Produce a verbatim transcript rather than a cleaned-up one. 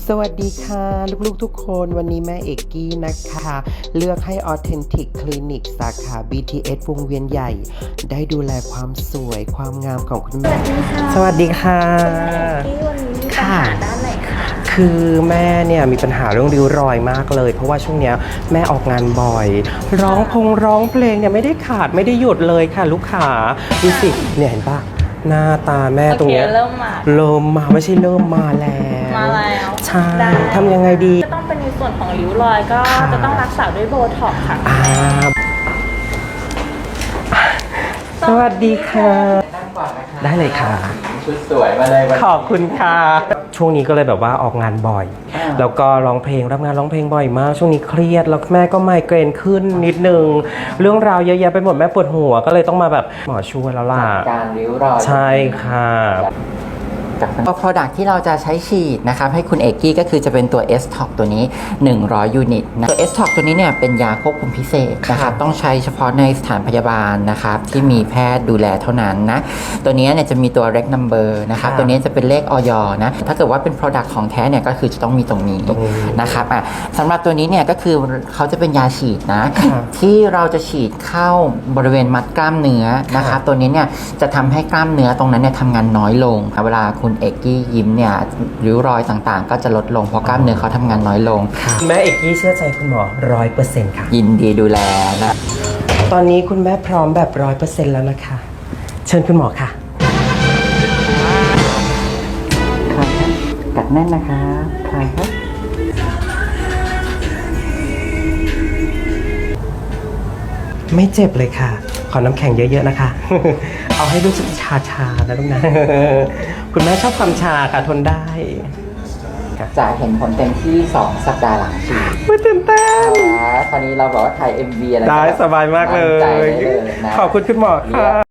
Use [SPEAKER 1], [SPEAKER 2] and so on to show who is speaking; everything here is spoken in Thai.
[SPEAKER 1] สวัสดีค่ะลูกๆทุกคนวันนี้แม่เอกกี้นะคะเลือกให้ Authentic Clinic สาขา บี ที เอส วงเวียนใหญ่ ได้ดูแลความสวยความงามของคุณแม่สวัสดีค่ะ
[SPEAKER 2] ที่วันนี้มีปัญหาด้านไหนคะ
[SPEAKER 1] คือแม่เนี่ยมีปัญหาเรื่องริ้วรอยมากเลยเพราะว่าช่วงเนี้ยแม่ออกงานบ่อยร้องพงร้องเพลงเนี่ยไม่ได้ขาดไม่ได้หยุดเลยค่ะลูกค้าดูสิเนี่ยเห็นปะหน้าตาแม่ตรงเนี้ย
[SPEAKER 2] เริ่มมา
[SPEAKER 1] เริ่มมาไม่ใช่เริ่มมาแล้ว
[SPEAKER 2] มาแล้ว
[SPEAKER 1] ใช่ทำยังไงดี
[SPEAKER 2] ก็ต้องเป็นในส่วนของริ้วรอยก็จะต้องรักษาด้วยโบท็อกซ์ค่ะ
[SPEAKER 1] สวัสดีค่ะได้เลยค่ะ
[SPEAKER 3] ชุดสวยมาเลย
[SPEAKER 1] ขอบคุณค่ะช่วงนี้ก็เลยแบบว่าออกงานบ่อยแล้วก็ร้องเพลงรับงานร้องเพลงบ่อยมากช่วงนี้เครียดแล้วแม่ก็ไมเกรนขึ้นนิดนึงเรื่องราวเยอะแยะไปหมดแม่ปวดหัวก็เลยต้องมาแบบหมอช่วยแล้วล่ะ
[SPEAKER 3] การริ้วรอย
[SPEAKER 1] ใช่ค่ะ
[SPEAKER 3] ก็ product ที่เราจะใช้ฉีดนะครับให้คุณเอกกี้ก็คือจะเป็นตัว เอส ท็อก ตัวนี้หนึ่งร้อยยูนิตนะตัว เอส ท็อก ตัวนี้เนี่ยเป็นยาควบคุมพิเศษนะครับต้องใช้เฉพาะในสถานพยาบาลนะครับที่มีแพทย์ดูแลเท่านั้นนะตัวนี้เนี่ยจะมีตัว reg number นะครับตัวนี้จะเป็นเลขออยนะถ้าเกิดว่าเป็น product ของแท้เนี่ยก็คือจะต้องมีตรงนี้นะครับอ่ะสำหรับตัวนี้เนี่ยก็คือเขาจะเป็นยาฉีดนะที่เราจะฉีดเข้าบริเวณมัดกล้ามเนื้อนะครับตัวนี้เนี่ยจะทำให้กล้ามเนื้อตรงนั้นเนี่ยทำงานน้อยลงเวลาคุณเอกกี้ยิ้มเนี่ยริ้วรอยต่างๆก็จะลดลงเพราะกล้ามเนื้อเขาทำงานน้อยลง
[SPEAKER 1] แม่เอกกี้เชื่อใจคุณหมอร้อยเปอร์เซ็นต์ค่ะ
[SPEAKER 3] ยินดีดูแลนะ
[SPEAKER 1] ตอนนี้คุณแม่พร้อมแบบร้อยเปอร์เซ็นต์แล้วนะคะเชิญคุณหมอค่ะ
[SPEAKER 3] ครับกัดแน่นนะคะคลายครับ
[SPEAKER 1] ไม่เจ็บเลยค่ะขอน้ำแข็งเยอะๆนะคะ เอาให้รู้สึกชาๆนะลูกนะ คุณแม่ชอบความชาค่ะทนได้
[SPEAKER 3] จะเห็นผลเต็มที่สองสัปดาห์หลังฉีด
[SPEAKER 1] ไม่ตื่นเต้น
[SPEAKER 3] ตอนนี้เราบอกว่าถ่าย เอ็ม วี อะไร
[SPEAKER 1] ได้สบายมากเลยขอบคุณคุณหมอค่ะ